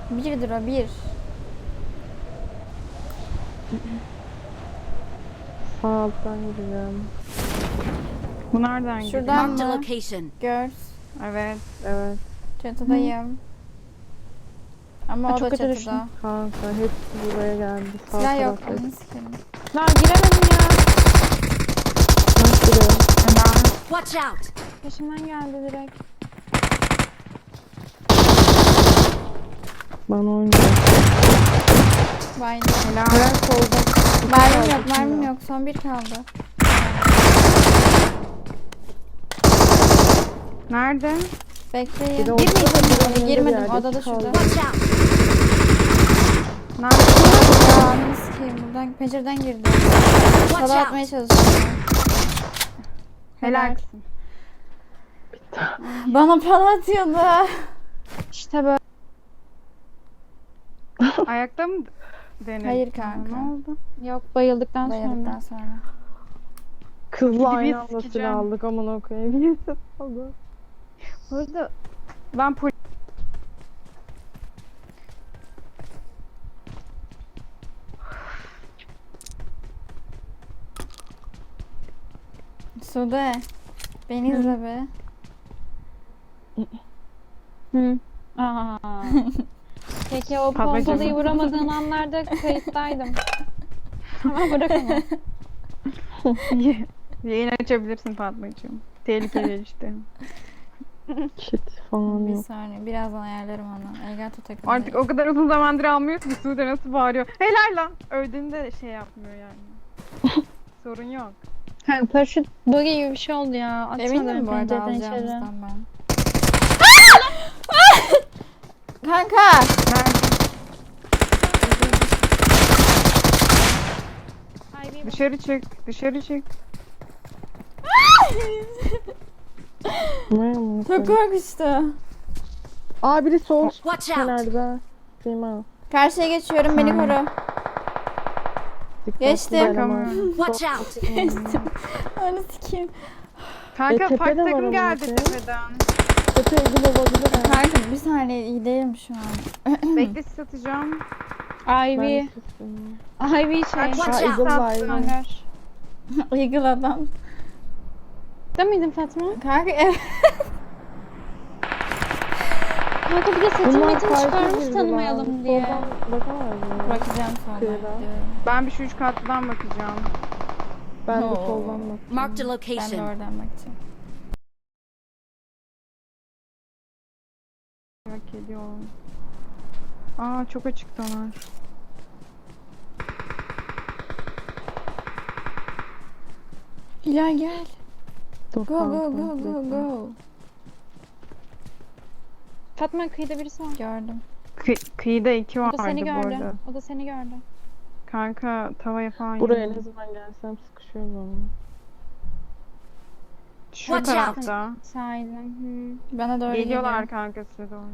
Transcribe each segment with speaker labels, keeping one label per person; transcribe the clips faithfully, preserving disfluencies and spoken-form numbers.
Speaker 1: Birdir o bir.
Speaker 2: Sağ alttan gideceğim.
Speaker 3: Bu nereden gidiyor?
Speaker 1: Şuradan
Speaker 4: Marked a
Speaker 1: mı?
Speaker 4: location.
Speaker 1: Gör.
Speaker 3: Evet.
Speaker 2: Evet.
Speaker 1: Çatıdayım. Ama
Speaker 5: Ha,
Speaker 1: o
Speaker 5: çok
Speaker 1: da
Speaker 5: kötü
Speaker 1: çatıda.
Speaker 5: düştüm.
Speaker 2: Kanka hepsi buraya geldi. Sağ
Speaker 1: Silah yok.
Speaker 2: taraftaydı.
Speaker 1: Ananı sikerim.
Speaker 5: Lan giremedim ya.
Speaker 2: Nasıl giriyor?
Speaker 3: Ben
Speaker 4: Watch out!
Speaker 5: Peşimden geldi direkt.
Speaker 2: Bana oynuyor.
Speaker 1: Baydım.
Speaker 2: Helal solda.
Speaker 1: Mermim yok, mermim yok. Son bir kaldı.
Speaker 3: nerede?
Speaker 1: Bekleyin.
Speaker 2: Bir de ortada da
Speaker 1: Girmeyeceğim.
Speaker 2: bir
Speaker 1: Girmedim.
Speaker 2: yerde
Speaker 1: Odada
Speaker 2: kaldı.
Speaker 1: şurada.
Speaker 4: Watch out!
Speaker 3: Nerede?
Speaker 1: Ya ananı sikeyim. Buradan pencereden girdi.
Speaker 4: Watch
Speaker 1: Sola atmaya
Speaker 4: out!
Speaker 1: çalışıyorum.
Speaker 3: Helal kızım.
Speaker 1: Bana para atıyordu.
Speaker 5: İşte böyle.
Speaker 3: Ayakta mı denedin?
Speaker 1: Hayır kanka.
Speaker 3: Ne oldu?
Speaker 5: Yok, bayıldıktan
Speaker 1: Bayıldıktan
Speaker 5: sonra.
Speaker 1: sonra.
Speaker 2: Kızla
Speaker 3: Gibi
Speaker 2: aynı anda
Speaker 3: sikeceğim.
Speaker 2: silah aldık aman okuyayım. Birisi aldı.
Speaker 3: Bu arada ben pol-
Speaker 1: Sude. Beni izle be.
Speaker 5: Hı. Aa. Peki o
Speaker 3: Babacığım.
Speaker 5: pompalıyı vuramadığın anlarda kayıttaydım. Ama bırak onu.
Speaker 3: yayın açabilirsin Fatmacığım. Tehlikeli işte.
Speaker 2: Kit falan
Speaker 1: Bir
Speaker 2: yok.
Speaker 1: saniye. Birazdan ayarlarım onu. Elgato takımda.
Speaker 3: Artık o kadar uzun zamandır almıyoruz ki Sude nasıl bağırıyor. Helal lan. Öldüğünde de şey yapmıyor yani. Sorun yok.
Speaker 5: Ha, paraşüt buggy gibi bir şey oldu ya. Atsana
Speaker 1: Eminim
Speaker 5: beni
Speaker 1: bu arada
Speaker 5: pencereden içeri.
Speaker 1: alacağımızdan ben. Kanka.
Speaker 3: Nerede?
Speaker 5: Ay, bir
Speaker 3: Dışarı çık. Dışarı çık.
Speaker 2: Ne amına
Speaker 1: Çok
Speaker 2: koyayım?
Speaker 1: korkmuştu.
Speaker 2: Aa biri sol
Speaker 4: Watch out!
Speaker 2: kenarda. Sima.
Speaker 1: Karşıya geçiyorum. Beni koru.
Speaker 2: Dikkatli
Speaker 1: Geçtim.
Speaker 2: eleman.
Speaker 4: Watch out!
Speaker 1: Geçtim. Onu sikeyim.
Speaker 3: Kanka
Speaker 2: E, tepe
Speaker 3: park
Speaker 2: de var
Speaker 3: takım
Speaker 2: ama
Speaker 3: geldi
Speaker 2: tepe.
Speaker 3: tepeden.
Speaker 2: Tepe ilgili olabilir ha.
Speaker 1: Kanka bir saniye iyi değilim şu an.
Speaker 3: Bekle sis atacağım.
Speaker 2: Ben
Speaker 5: Ivy.
Speaker 2: de sustum.
Speaker 5: Ivy şey.
Speaker 4: Watch
Speaker 2: Ha
Speaker 4: out!
Speaker 2: Eagle var.
Speaker 5: Hangar.
Speaker 1: Eagle adam.
Speaker 5: Değil miydin Fatma?
Speaker 1: Kanka evet.
Speaker 5: Kanka bir de setin
Speaker 2: Bunlar
Speaker 5: metin
Speaker 2: farklı
Speaker 5: çıkarmış
Speaker 2: girdi
Speaker 5: tanımayalım
Speaker 2: lan.
Speaker 5: diye.
Speaker 2: Soldan bakamaz mı?
Speaker 1: Bakacağım sonra.
Speaker 2: Kıyıda.
Speaker 1: gidiyorum.
Speaker 3: Ben bir şu üç katlıdan bakacağım.
Speaker 2: Ben de
Speaker 1: Oo.
Speaker 2: soldan bak.
Speaker 4: Marked a
Speaker 1: Ben de
Speaker 4: location.
Speaker 1: oradan bakacağım.
Speaker 3: Merak ediyorum. Aa çok açıktalar.
Speaker 1: Hilal gel.
Speaker 2: Dur
Speaker 1: Go go
Speaker 2: kanka,
Speaker 1: go go
Speaker 2: bekle.
Speaker 1: go.
Speaker 5: Fatma kıyıda birisi var.
Speaker 1: Gördüm.
Speaker 3: Kı- kıyıda iki
Speaker 5: O
Speaker 3: vardı
Speaker 5: da seni
Speaker 3: bu
Speaker 5: gördü.
Speaker 3: arada.
Speaker 5: O da seni gördü.
Speaker 3: Kanka tavaya falan
Speaker 2: Buraya
Speaker 3: yedim.
Speaker 2: ne zaman gelsem sıkışıyoruz ama.
Speaker 3: Şu
Speaker 4: Watch out.
Speaker 3: tarafta.
Speaker 5: Sahilden. Hı.
Speaker 1: Bana doğru
Speaker 3: Geliyorlar
Speaker 1: geliyor.
Speaker 3: kanka size doğru.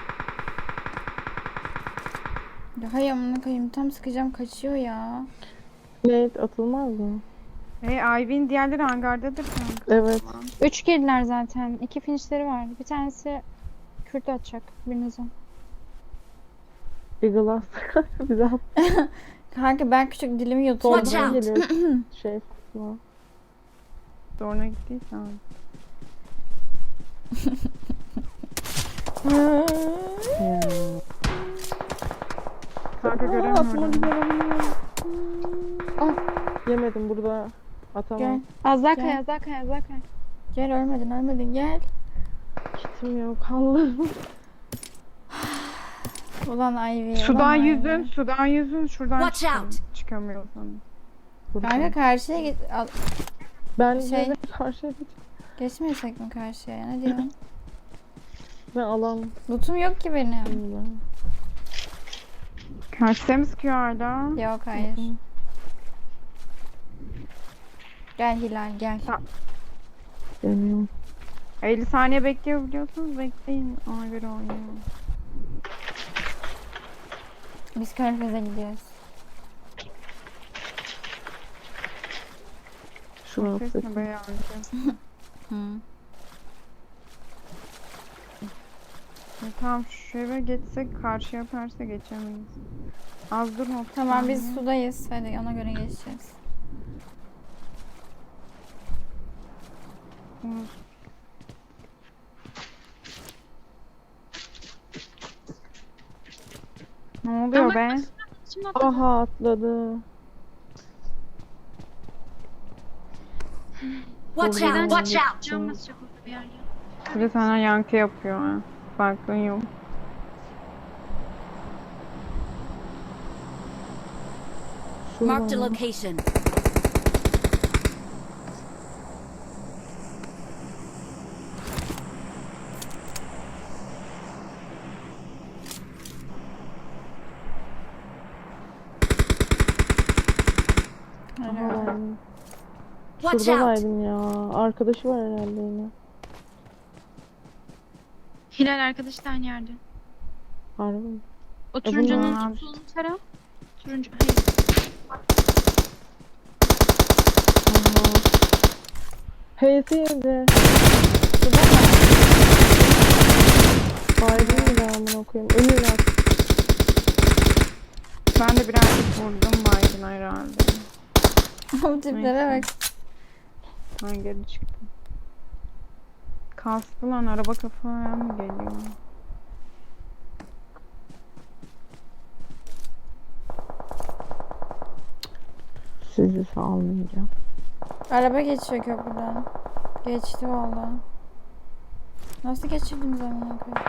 Speaker 1: Ya hay amına koyayım tam sıkacağım kaçıyor ya.
Speaker 2: Nate atılmaz mı?
Speaker 3: Hey Ivy'nin diğerleri hangardadır kanka.
Speaker 2: Evet.
Speaker 5: Üç girdiler zaten. İki finişleri var. Bir tanesi Kürt atacak birinize.
Speaker 2: Eagle at. Bir daha
Speaker 1: Kanka ben küçük dilimi yutuyorum.
Speaker 4: Watch
Speaker 2: soldan
Speaker 4: out.
Speaker 2: geliyor. Şey Fatma.
Speaker 3: Zoruna gittiysen.
Speaker 2: Ya.
Speaker 3: Kanka
Speaker 2: Aa, atma
Speaker 3: göremiyorum.
Speaker 2: göremiyorum. Ah yemedim burada. Atamam.
Speaker 1: Gel.
Speaker 5: Az daha
Speaker 1: Gel.
Speaker 5: kay, az daha kay, az daha kay.
Speaker 1: Gel ölmedin ölmedin gel.
Speaker 2: Kitim yok Allah'ım.
Speaker 1: Ulan Ivy.
Speaker 3: Sudan
Speaker 1: ulan Ivy.
Speaker 3: yüzün, sudan yüzün, şuradan
Speaker 4: Watch
Speaker 3: çıkam-
Speaker 4: out.
Speaker 3: çıkamıyorsan.
Speaker 1: Kanka karşıya geç. Al,
Speaker 2: Ben
Speaker 1: Şey-
Speaker 2: şey... karşıya geç.
Speaker 1: geçmeyecek mi karşıya ya? Ne diyorsun?
Speaker 2: Ben alam.
Speaker 1: Lootum yok ki benim.
Speaker 3: Karşıya mı sıkıyor hala?
Speaker 1: Yok hayır. Gel Hilal gel.
Speaker 2: Geliyorum.
Speaker 3: elli saniye bekliyor biliyorsunuz. Bekleyin. Ona göre oynayalım.
Speaker 1: Biz Körfez'e gidiyoruz.
Speaker 2: Şunu
Speaker 3: Ses
Speaker 2: atsak.
Speaker 3: mi be yavrucuğum?
Speaker 1: Hı.
Speaker 3: E, tamam şu eve geçsek karşı yaparsa geçemeyiz. Az durma. otuz
Speaker 1: Tamam biz
Speaker 3: saniye.
Speaker 1: sudayız. Hadi ona göre geçeceğiz.
Speaker 3: Olur. Ne oluyor be?
Speaker 5: Şimdi atla.
Speaker 2: Aha atladı.
Speaker 4: Watch
Speaker 2: Buradan
Speaker 4: out! Watch out!
Speaker 5: Can basacak orada bir yerde.
Speaker 3: Bir de sana yankı yapıyor ha. Farkın yok.
Speaker 4: Marked a
Speaker 2: Şuradan.
Speaker 4: location.
Speaker 1: Hadi.
Speaker 2: Aha,
Speaker 4: Watch out!
Speaker 2: şuradaydım ya. Arkadaşı var herhalde yine.
Speaker 5: Hilal arkadaş da aynı yerde.
Speaker 2: Harbi mi?
Speaker 5: O
Speaker 2: E,
Speaker 5: turuncunun
Speaker 3: bunlar-
Speaker 5: solunu tara. Turuncu. Hayır.
Speaker 2: Aha. H'si yedi. Baygın mı ben bunu okuyayım? Önüne at.
Speaker 3: Ben de birazcık vurdum baygın herhalde.
Speaker 1: Bu tiplere bak.
Speaker 3: Ben geri çıktım. Kastı lan araba kafaya mı geliyor?
Speaker 2: Sizi salmayacağım.
Speaker 1: Araba geçiyor köprüden. Geçti valla. Nasıl geçirdiniz amına koyayım?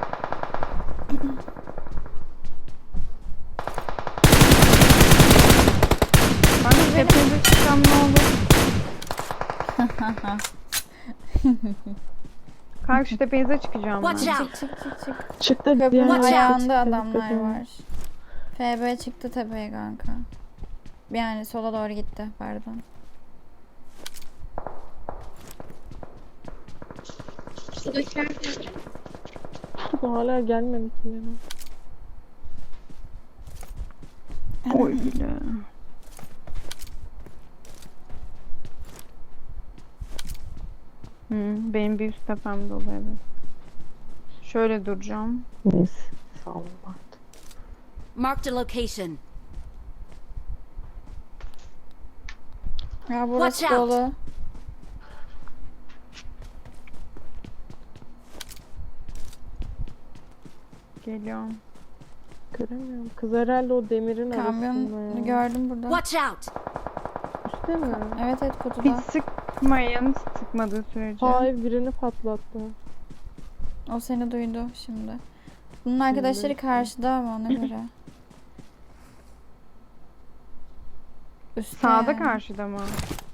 Speaker 3: Ben de tepenize çıksam ne olur? Kanka şu tepenize çıkacağım ben.
Speaker 4: Watch out!
Speaker 1: Çık çık çık çık.
Speaker 2: Çıktı.
Speaker 1: Köprünün
Speaker 2: diğer
Speaker 4: Watch out.
Speaker 1: ayağında
Speaker 2: çıktı,
Speaker 1: adamlar
Speaker 2: dikkat edin.
Speaker 1: var. F B çıktı tepeye kanka. Yani sola doğru gitti pardon.
Speaker 5: Şuradakiler de
Speaker 2: Hala gelmedi kimlere.
Speaker 3: Oy bile. Hmm, benim bir üst tepem dolu evet. Şöyle duracağım.
Speaker 2: Neyse. Salma artık.
Speaker 4: Marked a location.
Speaker 1: Ya burası
Speaker 4: Watch out.
Speaker 1: dolu.
Speaker 3: Geliyorum.
Speaker 2: Göremiyorum. Kız herhalde o demirin arasında
Speaker 1: Kamyonu
Speaker 2: ya.
Speaker 1: gördüm burada.
Speaker 4: Watch out!
Speaker 2: Üstte mi?
Speaker 1: Evet evet
Speaker 3: Hiç
Speaker 1: kutuda.
Speaker 3: sıkmayın sıkmadığı sürece.
Speaker 2: Hayır birini patlattı.
Speaker 1: O seni duydu şimdi. Bunun arkadaşları
Speaker 2: Şimdi.
Speaker 1: karşıda ama ona göre. Üstte
Speaker 3: Sağda
Speaker 1: yani.
Speaker 3: karşıda mı?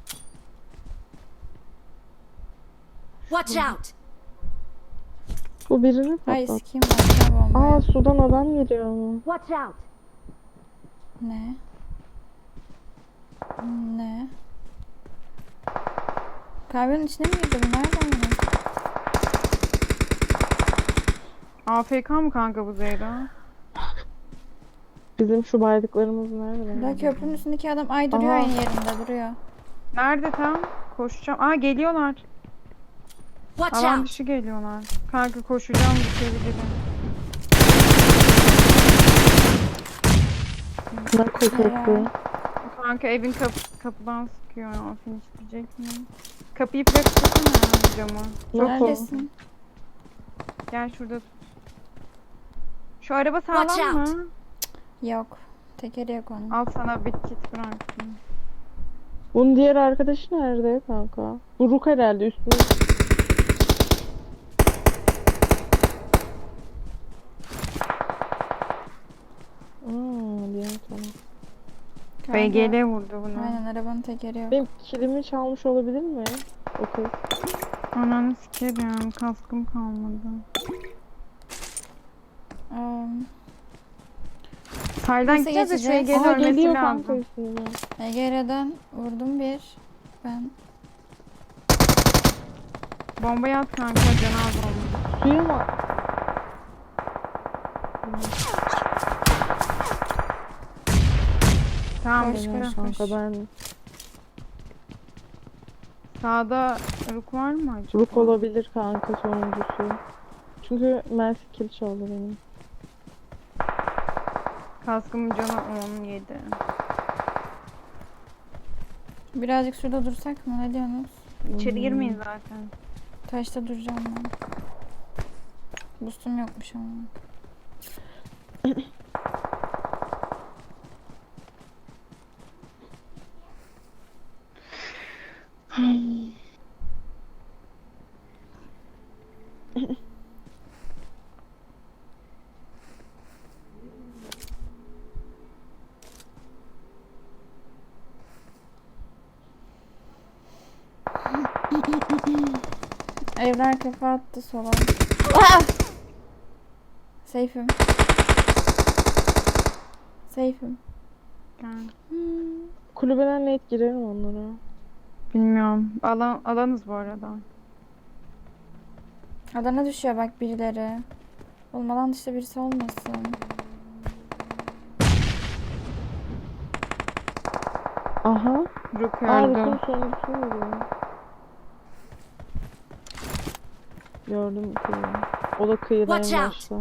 Speaker 4: Watch out!
Speaker 2: Bu birini
Speaker 1: Ay
Speaker 2: patlattı.
Speaker 1: sikiyim başka bombayı.
Speaker 2: Aa sudan adam geliyor ama.
Speaker 4: Watch out!
Speaker 1: Ne? Ne? Kamyonun içine mi girdi bu? Nereden yine?
Speaker 3: A F K mı kanka bu Zeyra?
Speaker 2: Bizim şu baydıklarımız nerede?
Speaker 1: Daha köprünün üstündeki adam ay duruyor
Speaker 2: Aha.
Speaker 1: aynı yerinde duruyor.
Speaker 3: Nerede tam? Koşacağım. Aa geliyorlar.
Speaker 4: Watch
Speaker 3: Alan
Speaker 4: out!
Speaker 3: dışı geliyorlar. Kanka koşacağım düşebilirim.
Speaker 2: Ne koketti?
Speaker 3: Kanka evin kapı, kapıdan sıkıyor ya. Finish diyecek mi? Kapıyı flash tutsana ya camı.
Speaker 2: Çok
Speaker 1: Neredesin?
Speaker 3: Gel şurada tut. Şu araba sağlam
Speaker 4: Watch out.
Speaker 3: mı?
Speaker 1: Yok. Tekeri yok onun.
Speaker 3: Al sana bir kit bıraktım.
Speaker 2: Bunun diğer arkadaşı nerede kanka? Bu Ruk herhalde üstüne. Aa, diğer taraf.
Speaker 1: Kanka,
Speaker 3: B G L vurdu bunu.
Speaker 1: Aynen arabanın tekeri yok.
Speaker 2: Benim kilimi çalmış olabilir mi? O kız.
Speaker 3: Ananı sikerim. Kaskım kalmadı.
Speaker 1: Um,
Speaker 3: Sahilden
Speaker 1: Nasıl
Speaker 3: gideceğiz de şu
Speaker 1: geçeceğiz?
Speaker 3: Ege'nin
Speaker 2: Aa
Speaker 3: ölmesi
Speaker 2: geliyor
Speaker 3: lazım.
Speaker 2: kanka üstüne.
Speaker 1: E G R'den vurdum bir. Ben.
Speaker 3: Bombayı at kanka canı az oldu.
Speaker 2: Suya mı?
Speaker 3: Tamam
Speaker 1: Koş,
Speaker 3: işte.
Speaker 1: koş,
Speaker 2: Kanka
Speaker 1: koş.
Speaker 2: ben
Speaker 3: Sağda Ruk var mı acaba?
Speaker 2: Ruk olabilir kanka sonuncusu. Çünkü Mersi kill çaldı benim.
Speaker 3: Kaskımın canı on yedi.
Speaker 1: Birazcık şurada dursak mı? Ne diyorsunuz?
Speaker 3: İçeri girmeyin zaten.
Speaker 1: Taşta duracağım ben. Boostum yokmuş ama. Evler kafa attı sola. Ah! Safe'im. Safe'im.
Speaker 3: Yani,
Speaker 2: Kulübeden net girerim onlara.
Speaker 3: bilmiyorum. Alan, alanız bu arada.
Speaker 1: Adana düşüyor bak birileri. Oğlum alan dışında birisi olmasın.
Speaker 2: Aha.
Speaker 3: Brook
Speaker 2: Aa
Speaker 3: öldü.
Speaker 2: Rus'un sonuncusu muydu? Gördüm kıyı. O da kıyıda en
Speaker 4: Watch out.
Speaker 2: başta.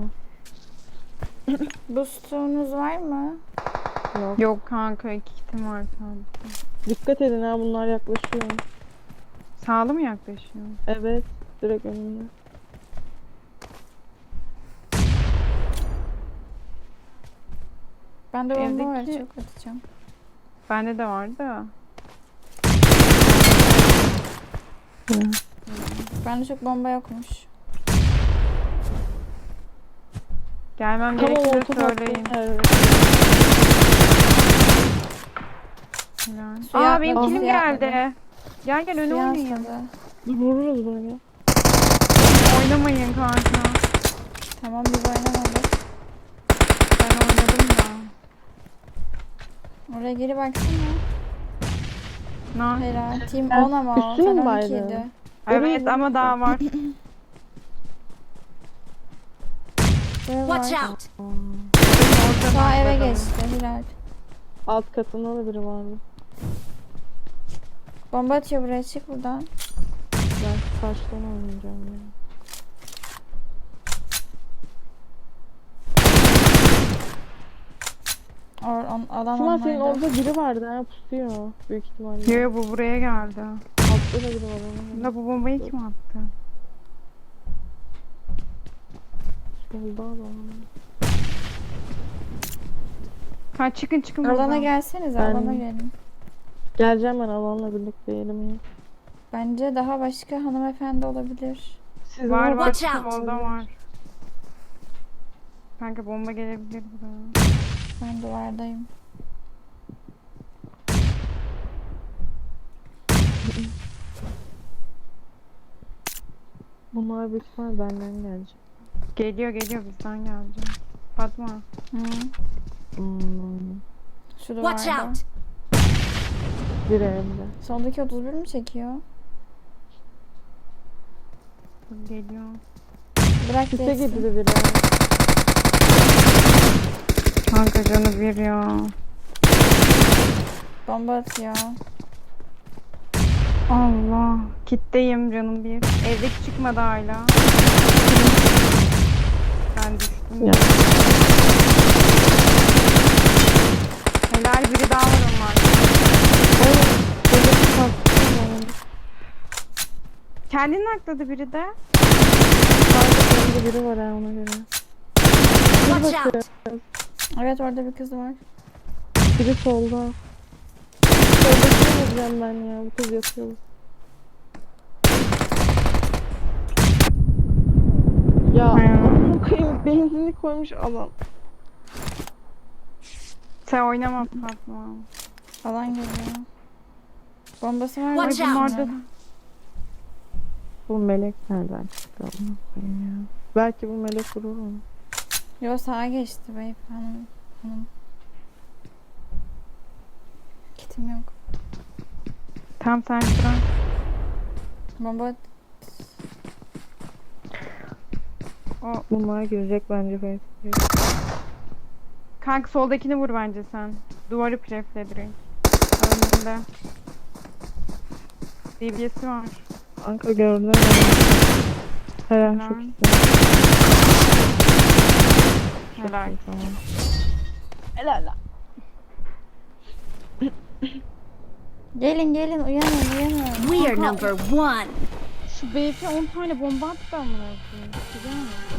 Speaker 1: Boostunuz var mı?
Speaker 2: Yok.
Speaker 3: Yok kanka, iki kitim var sadece.
Speaker 2: Dikkat edin ha, bunlar yaklaşıyor.
Speaker 3: Sağlı mı yaklaşıyor?
Speaker 2: Evet. Direkt önümde.
Speaker 1: Bende bomba var
Speaker 3: Evdeki-
Speaker 1: çok atacağım.
Speaker 3: Bende de var da.
Speaker 1: Bende çok bomba yokmuş.
Speaker 3: Gelmem
Speaker 2: Tamam
Speaker 3: gerekirse
Speaker 2: orta
Speaker 3: söyleyin.
Speaker 2: evet.
Speaker 3: Helal.
Speaker 1: Suya
Speaker 3: Aa benim
Speaker 1: atladı,
Speaker 3: kilim
Speaker 1: suya
Speaker 3: geldi.
Speaker 1: atladı.
Speaker 3: Gel gel öne
Speaker 1: Suya
Speaker 3: oynayın.
Speaker 1: atladı.
Speaker 2: Dur, vururuz bunu ya.
Speaker 3: Oynamayın kanka.
Speaker 1: Tamam biz oynamadık.
Speaker 3: Ben oynadım da.
Speaker 1: Oraya geri baksana.
Speaker 3: Na.
Speaker 1: Helal. Team
Speaker 2: Ben
Speaker 1: on ama o.
Speaker 2: üstüne
Speaker 1: Sen
Speaker 2: mi
Speaker 1: on
Speaker 2: baydın?
Speaker 1: ikiydi.
Speaker 3: Evet
Speaker 2: Oraya
Speaker 3: ama daha var.
Speaker 1: Buraya var.
Speaker 4: Watch out!
Speaker 1: Sağ eve geçti Hilal.
Speaker 2: Alt katında da biri vardı.
Speaker 1: Bomba atıyor buraya, çık buradan.
Speaker 2: Ben karşıdan oynayacağım ya.
Speaker 1: Or, on, alan
Speaker 2: Şuma senin
Speaker 1: onlarda.
Speaker 2: orada biri vardı ha, pusuyor. Büyük ihtimalle.
Speaker 3: Yo yo, bu buraya geldi.
Speaker 2: Altta da biri var onun.
Speaker 3: Da bu bombayı kim attı?
Speaker 2: Solda adam.
Speaker 3: Ha çıkın çıkın
Speaker 1: Alana
Speaker 3: buradan.
Speaker 1: gelsenize,
Speaker 2: Ben-
Speaker 1: alana gelin.
Speaker 2: Geleceğim ben alanla birlikte yerim ya.
Speaker 1: Bence daha başka hanımefendi olabilir.
Speaker 2: Sizin
Speaker 3: Var
Speaker 2: orada
Speaker 3: var,
Speaker 4: Watch out.
Speaker 3: solda var. Kanka bomba gelebilir buraya.
Speaker 1: Ben duvardayım.
Speaker 2: Bunlar büyük ihtimal benden gelecek.
Speaker 3: Geliyor geliyor, bizden gelecek. Fatma.
Speaker 1: Hı.
Speaker 2: Hmm.
Speaker 1: Şu
Speaker 4: Watch
Speaker 1: duvarda.
Speaker 4: out!
Speaker 2: Bir evde.
Speaker 1: Soldaki otuz bir mi çekiyor?
Speaker 3: Dur, geliyor.
Speaker 1: Bırak
Speaker 2: Sise
Speaker 1: geçsin.
Speaker 2: gitti biri.
Speaker 3: Kanka canı bir ya.
Speaker 1: Bomba atıyor.
Speaker 3: Allah. Kitteyim canım bir. Evdeki çıkmadı hala. Ben düştüm.
Speaker 2: Ya.
Speaker 3: Helal, biri daha var onlar.
Speaker 2: Oğlum. Devletin kalktı.
Speaker 3: Kendini akladı biri de.
Speaker 2: Kalktı biri var ha, ona göre.
Speaker 4: Watch out!
Speaker 1: Evet orada bir kız var.
Speaker 2: Biri solda. Soldakini vuracağım ben ya. Bu kız yatıyor. Ya
Speaker 3: Hmm.
Speaker 2: bu kıyım benzinli koymuş adam.
Speaker 3: Sen oynama Fatma.
Speaker 1: Alan geliyor. Bombası var mı?
Speaker 4: Watch
Speaker 1: Ay,
Speaker 4: out.
Speaker 1: bunlarda da.
Speaker 2: Bu melek nereden çıktı ama koyayım ya. Belki bu melek vurur onu.
Speaker 1: Yo sağa geçti beyef hanım. hanım. Kitim yok.
Speaker 3: Tam sen sıra.
Speaker 1: Bomba at-
Speaker 3: O
Speaker 2: Bunlar girecek bence Facebook'a.
Speaker 3: kanka soldakini vur bence sen. Duvarı prefle direkt. Önünde. D B S'si var.
Speaker 2: Kanka gördüm. Helal çok
Speaker 3: Helal.
Speaker 2: güzel.
Speaker 3: Helal.
Speaker 2: iyi, tamam.
Speaker 3: Helal lan.
Speaker 1: Gelin gelin uyanın uyanın.
Speaker 4: We are number one.
Speaker 3: Şu B F on tane bomba attı amına koyayım. Güzel mi?